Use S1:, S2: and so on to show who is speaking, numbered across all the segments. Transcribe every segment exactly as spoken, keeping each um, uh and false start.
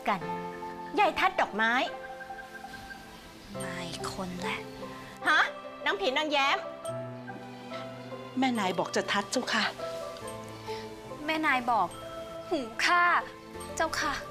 S1: กันยายทัดดอกไม้
S2: มาอีกคนแหละ
S1: ฮะนางผีนางแย้ม
S3: แม่นายบอกจะทัดเจ้าค่ะ
S2: แม่นายบอกหูข้าเจ้าค่ะ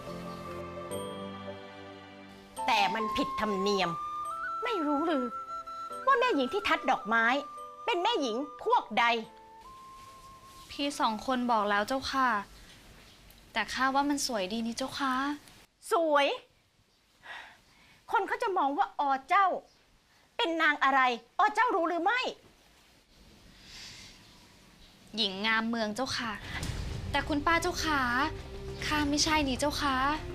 S1: แต่มันผิดธรรมเนียมไม่รู้หรือว่าแม่หญิงที่ทัดดอกไม้ เป็นแม่หญิงพวกใด
S2: พี่สองคนบอกแล้วเจ้าค่ะแต่ข้าว่ามันสวยดีนี่เจ้าค่ะ
S1: สวยคนเขาจะมองว่าอเจ้าเป็นนางอะไรอเจ้ารู้หรือไม่
S2: หญิงงามเมืองเจ้าค่ะแต่คุณป้าเจ้าค่ะข้าไม่ใช่นี่เจ้าค่ะ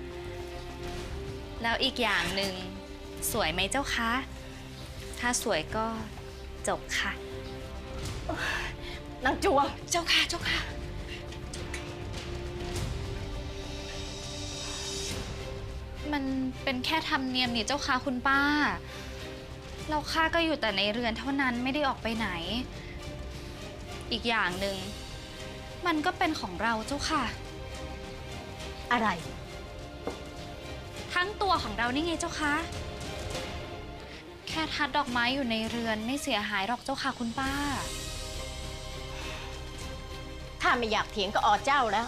S2: แล้วอีกอย่างหนึ่งสวยไหมเจ้าคะถ้าสวยก็จบค่ะ
S1: นางจวง
S2: เจ้าค่ะเจ้าค่ะมันเป็นแค่ธรรมเนียมนี่เจ้าค่ะคุณป้าเราข้าก็อยู่แต่ในเรือนเท่านั้นไม่ได้ออกไปไหนอีกอย่างหนึ่งมันก็เป็นของเราเจ้าค่ะ
S1: อะไร
S2: ทั้งตัวของเรานี่ไงเจ้าคะแค่ทัดดอกไม้อยู่ในเรือนไม่เสียหายหรอกเจ้าค่ะคุณป้า
S1: ถ้าไม่อยากเถียงก็อเจ้าแล้ว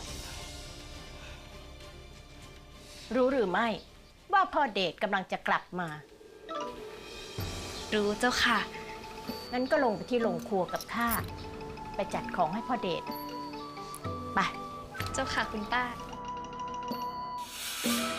S1: รู้หรือไม่ว่าพ่อเดชกำลังจะกลับมา
S2: รู้เจ้าค่ะ
S1: งั้นก็ลงไปที่โรงครัวกับข้าไปจัดของให้พ่อเดชไป
S2: เจ้าค่ะคุณป้า